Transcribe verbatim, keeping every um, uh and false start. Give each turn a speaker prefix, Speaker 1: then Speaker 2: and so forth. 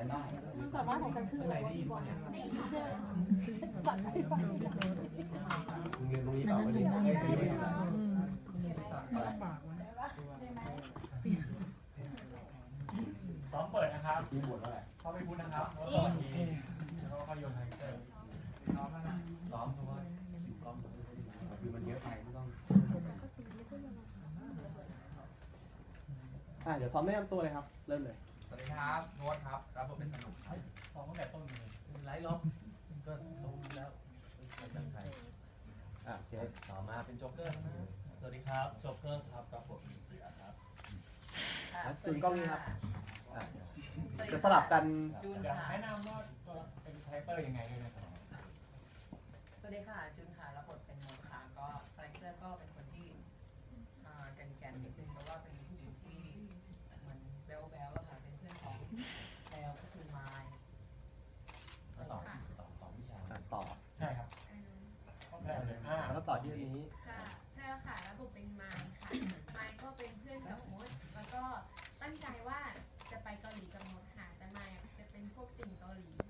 Speaker 1: กันได้
Speaker 2: ความสามารถของฉันคืออะไรดีกว่าเชื่อสั่งให้ฟัง
Speaker 1: มึงเรียนตรงนี้เปล่าไม่ได้ไม่ได้ไม่ได้
Speaker 3: ซ้อมเปิดนะครับ
Speaker 1: ที่หมดแล้วแหละ
Speaker 3: เข้าไปพูดนะครับแล้วก็ทีแล้วก็ค่อยโยนไฮเตอร์ซ้อมแล้วนะ
Speaker 1: ซ้อมเพราะว่าอยู่กล้องคือมันเยอะไปไม่ต้องอ่ะเดี๋ยวซ้อมแนะนำตัวเลยครับเริ่มเลย
Speaker 4: สวัสดีครับโน้ตครับรับบทเป็นสนุกครับ
Speaker 3: ซ้อมตั้งแต่ต้นเลยไลฟ์ล็อกก็ลงแล้วเป็นตั้งใจ
Speaker 1: อ่ะโอเคต่อมาเป็นโจ๊กเกอร์นะ
Speaker 3: สวัสดีครับโจ๊กเกอร์ครับรับบทเป็นเสือครับ
Speaker 1: อ่ะจูนกล้องนี้ครับอ่ะจะสลับกัน
Speaker 4: จูน
Speaker 3: อยาก
Speaker 4: ค่ะ
Speaker 3: แนะนำว่าตัวเป็นคาแรคเตอร์ยังไงด้วยนะครับ
Speaker 4: สวัสดีค่ะจูนค่ะรับบทเป็นโน้ตค่ะก็คาแรคเตอร์ก็เป็นคนที่อ่าแกนๆนิดนึงเพราะว่าเป็นผู้หญิงที่เหมือนแบ๊วๆอะค่ะเป็นเพื่อนของแพลก็คือไมล์
Speaker 1: แล้วต่อต่อต่อวิชาอ่ะต่อ
Speaker 3: ใช่ครับต้องแปลเลยอ่า
Speaker 1: แล้วก็ต่อที่อันนี้
Speaker 5: ค่ะแพรวค่ะระบบเป็นไมค์ค่ะ ไมค์ก็เป็นเพื่อนกับมด แล้วก็ตั้งใจว่าจะไปเกาหลีกับมดค่ะ แต่ไมค์จะเป็นพวกติ่งเกาหลี